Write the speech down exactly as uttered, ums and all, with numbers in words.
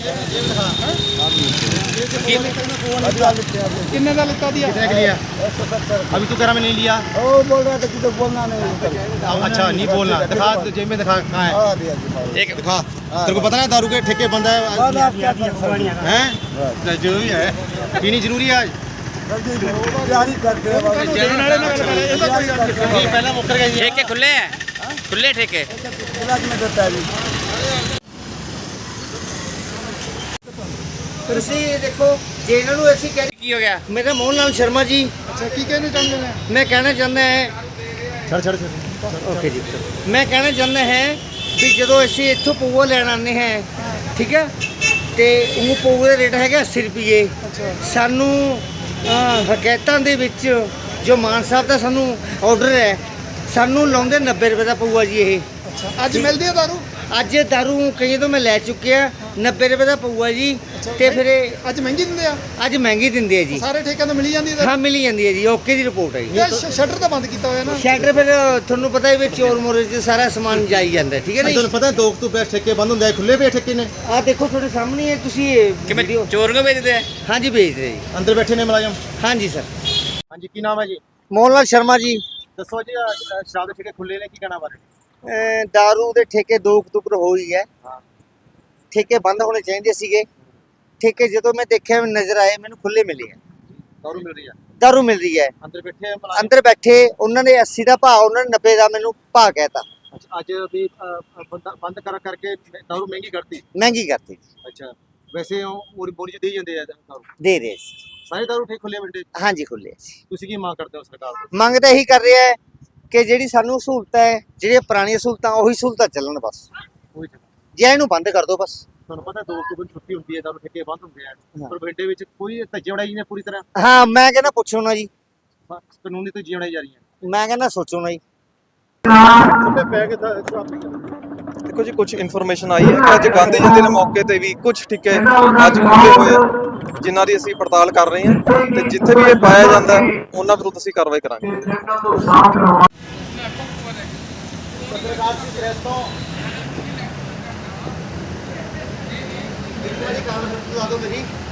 कितने का लिखता दिया? कितने के लिया? अभी तू कह रहा मैं नहीं लिया। ओ बोल रहा था कि तो बोलना नहीं। अच्छा नहीं बोलना, दिखा जेब में, दिखा कहाँ है? एक दिखा। तेरे को पता है दारू के ठेके बंद है हैं? जो भी है पीनी जरूरी है आज। तैयारी करते हैं नहीं पहले मुकर गए। ठेके खुले हैं, खुले ठेके। में देता है ਤੁਸੀਂ ਦੇਖੋ ਜੇ ਇਹਨਾਂ ਨੂੰ ਅਸੀਂ ਕਹਿ की हो गया? ਮੇਰਾ ਮੋਹਨ ਲਾਲ ਸ਼ਰਮਾ ਜੀ। अच्छा की कहना चाहते हैं? ਮੈਂ ਕਹਿਣਾ ਚਾਹੁੰਦਾ ਹੈ ਛੜ ਛੜ ਛੜ ਓਕੇ ਜੀ ਮੈਂ ਕਹਿਣਾ ਚਾਹੁੰਦਾ ਹੈ ਵੀ ਜਦੋਂ ਅਸੀਂ ਇੱਥੋਂ ਪਊਆ ਲੈਣ ਆਉਂਦੇ ਹਾਂ ਠੀਕ ਹੈ ਤੇ ਉਹ ਪਊਏ ਦਾ ਰੇਟ ਹੈਗਾ अस्सी ਰੁਪਏ। ਸਾਨੂੰ ਹਕਾਇਤਾਂ ਦੇ ਵਿੱਚ ਜੋ ਮਾਨ ਸਾਹਿਬ ਦਾ ਸਾਨੂੰ ਆਰਡਰ ਹੈ ਸਾਨੂੰ ਲਾਉਂਦੇ ਨੱਬੇ ਰੁਪਏ ਦਾ ਪਊਆ ਜੀ ਇਹ। अच्छा आज मिलती है दारू? ਅੱਜ ਦਾਰੂ ਕਈ ਤੋਂ ਮੈਂ ਲੈ ਚੁੱਕਿਆ ਨੱਬੇ ਰੁਪਏ ਦਾ ਪਊਆ ਜੀ ਤੇ ਫਿਰ ਇਹ ਅੱਜ ਮਹਿੰਗੀ ਦਿੰਦੇ ਆ? ਅੱਜ ਮਹਿੰਗੀ ਦਿੰਦੇ ਆ ਜੀ। ਸਾਰੇ ਠੇਕਿਆਂ ਤੋਂ ਮਿਲੀ ਜਾਂਦੀ ਹੈ? ਹਾਂ ਮਿਲੀ ਜਾਂਦੀ ਹੈ ਜੀ। ਓਕੇ ਦੀ ਰਿਪੋਰਟ ਹੈ ਜੀ। ਇਹ ਸ਼ਟਰ ਤਾਂ ਬੰਦ ਕੀਤਾ ਹੋਇਆ ਨਾ? ਸ਼ਟਰ ਫਿਰ ਤੁਹਾਨੂੰ ਪਤਾ ਹੀ ਵੀ ਚੋਰ ਮੋਰੇ 'ਚ ਸਾਰਾ ਸਮਾਨ ਜਾਈ ਜਾਂਦਾ ਠੀਕ ਹੈ ਨਾ ਤੁਹਾਨੂੰ ਪਤਾ ਦੋ ਅਕਤੂਬਰ ਠੇਕੇ ਬੰਦ ਹੁੰਦੇ ਆ, ਖੁੱਲੇ ਪਏ ਠੇਕੇ ਨੇ। ਆ ਦੇਖੋ ਤੁਹਾਡੇ ਸਾਹਮਣੇ ਹੈ ਤੁਸੀਂ कि मैं चोर को बेचते हैं? ਹਾਂਜੀ ਵੇਚ ਰਹੇ ਜੀ। ਅੰਦਰ ਬੈਠੇ ਨੇ ਮੁਲਾਜ਼ਮ। ਹਾਂਜੀ ਸਰ। ਹਾਂਜੀ ਕੀ ਨਾਮ ਹੈ ਜੀ? ਮੋਹਨ ਲਾਲ ਸ਼ਰਮਾ ਜੀ। ਦੱਸੋ ਜੀ ਆਹ ਸ਼ਰਾਬ ਦੇ ਠੇਕੇ ਖੁੱਲੇ ਨੇ, ਕੀ ਕਹਿਣਾ ਬਾਰੇ? ਅਹ ਦਾਰੂ ਦੇ ਠੇਕੇ ਦੋ ਅਕਤੂਬਰ ਹੋਈ ਹੈ। ਠੇਕੇ ਬੰਦ ਹੋਣੇ ਚਾਹੀਦੇ ਸੀਗੇ। ਠੇਕੇ ਜਦੋਂ ਮੈਂ ਦੇਖਿਆ ਨਜ਼ਰ ਆਏ ਮੈਨੂੰ ਖੁੱਲੇ ਮਿਲੇ ਆ। ਦਾਰੂ ਮਿਲ ਰਹੀ ਹੈ, ਦਾਰੂ ਮਿਲ ਰਹੀ ਹੈ। ਅੰਦਰ ਬੈਠੇ ਆ ਮੁਲਾਜ਼ਮ। ਅੰਦਰ ਬੈਠੇ ਉਹਨਾਂ ਨੇ अस्सी ਦਾ ਭਾਅ ਉਹਨਾਂ ਨੇ ਨੱਬੇ ਦਾ ਮੈਨੂੰ ਭਾਅ ਕਹਿਤਾ। ਅੱਛਾ, ਅੱਜ ਵੀ ਅਹ, ਬੰਦ ਬੰਦ ਕਰ ਕਰਕੇ ਦਾਰੂ ਮਹਿੰਗੀ ਕਰਤੀ। ਮਹਿੰਗੀ ਕਰਤੀ। ਅੱਛਾ ਵੈਸੇ ਉਹ ਪੂਰੀ ਬੋਲੀ ਚ ਦੇ ਹੀ ਜਾਂਦੇ ਆ ਦਾਰੂ। ਦੇ ਰਹੇ ਸੀ। ਸਾਰੇ ਦਾਰੂ ਠੇਕੇ ਖੁੱਲੇ ਮਿਲਦੇ। ਹਾਂਜੀ ਖੁੱਲੇ ਸੀ। ਤੁਸੀਂ ਕੀ ਮੰਗ ਕਰਦੇ ਹੋ ਸਰਕਾਰ ਤੋਂ? ਮੰਗ ਤਾਂ ਇਹੀ ਕਰ ਰਿਹਾ ਹੈ ਕਿ ਜਿਹੜੀ ਸਾਨੂੰ ਸਹੂਲਤਾਂ ਹੈ ਜਿਹੜੀਆਂ ਪੁਰਾਣੀਆਂ ਸਹੂਲਤਾਂ ਉਹੀ ਸਹੂਲਤਾਂ ਚੱਲਣ ਬਸ। ਉਹੀ ਤਾਂ। ਜੇ ਇਹਨੂੰ ਬੰਦ ਕਰ ਦਿਓ ਬਸ। ਤੁਹਾਨੂੰ ਪਤਾ ਦੋ ਅਕਤੂਬਰ ਨੂੰ ਛੁੱਟੀ ਹੁੰਦੀ ਹੈ, ਦਾਰੂ ਠੇਕੇ ਬੰਦ ਹੁੰਦੇ ਆ, ਪਰ ਬਠਿੰਡੇ ਵਿੱਚ ਕੋਈ ਧੱਜੇ ਉਡਾਈ ਨੇ ਪੂਰੀ ਤਰ੍ਹਾਂ। ਹਾਂ ਮੈਂ ਕਹਿੰਦਾ ਪੁੱਛੋ ਨਾ ਜੀ। ਕਾਨੂੰਨੀ ਤੋਂ ਜਿਉਣਾ ਜਾ ਰਹੀਆਂ। ਮੈਂ ਕਹਿੰਦਾ ਸੋਚੋ ਨਾ ਜੀ। ਛੋਟੇ ਪੈ ਕੇ ਤਾਂ ਸ਼ਰਾਬ ਪੀ ਜਾਂਦੇ। ਦੇਖੋ ਜੀ ਕੁਝ ਇਨਫੋਰਮੇਸ਼ਨ ਆਈ ਹੈ ਕਿ ਅੱਜ ਗਾਂਧੀ ਜਯੰਤੀ ਦੇ ਮੌਕੇ ਤੇ ਵੀ ਕੁਝ ਠੇਕੇ ਅੱਜ ਖੁੱਲੇ ਹੋਏ ਆ, ਜਿਨ੍ਹਾਂ ਦੀ ਅਸੀਂ ਪੜਤਾਲ ਕਰ ਰਹੇ ਹਾਂ ਤੇ ਜਿੱਥੇ ਵੀ ਇਹ ਪਾਇਆ ਜਾਂਦਾ ਉਹਨਾਂ ਵਿਰੁੱਧ ਅਸੀਂ ਕਾਰਵਾਈ ਕਰਾਂਗੇ। ਪੱਤਰਕਾਰ ਦੀ ਪ੍ਰੈਸ ਤੋਂ ਇੱਕ ਵਾਰੀ ਕਾਰਨ ਬਤਾ ਦਿਓ ਮੇਰੀ।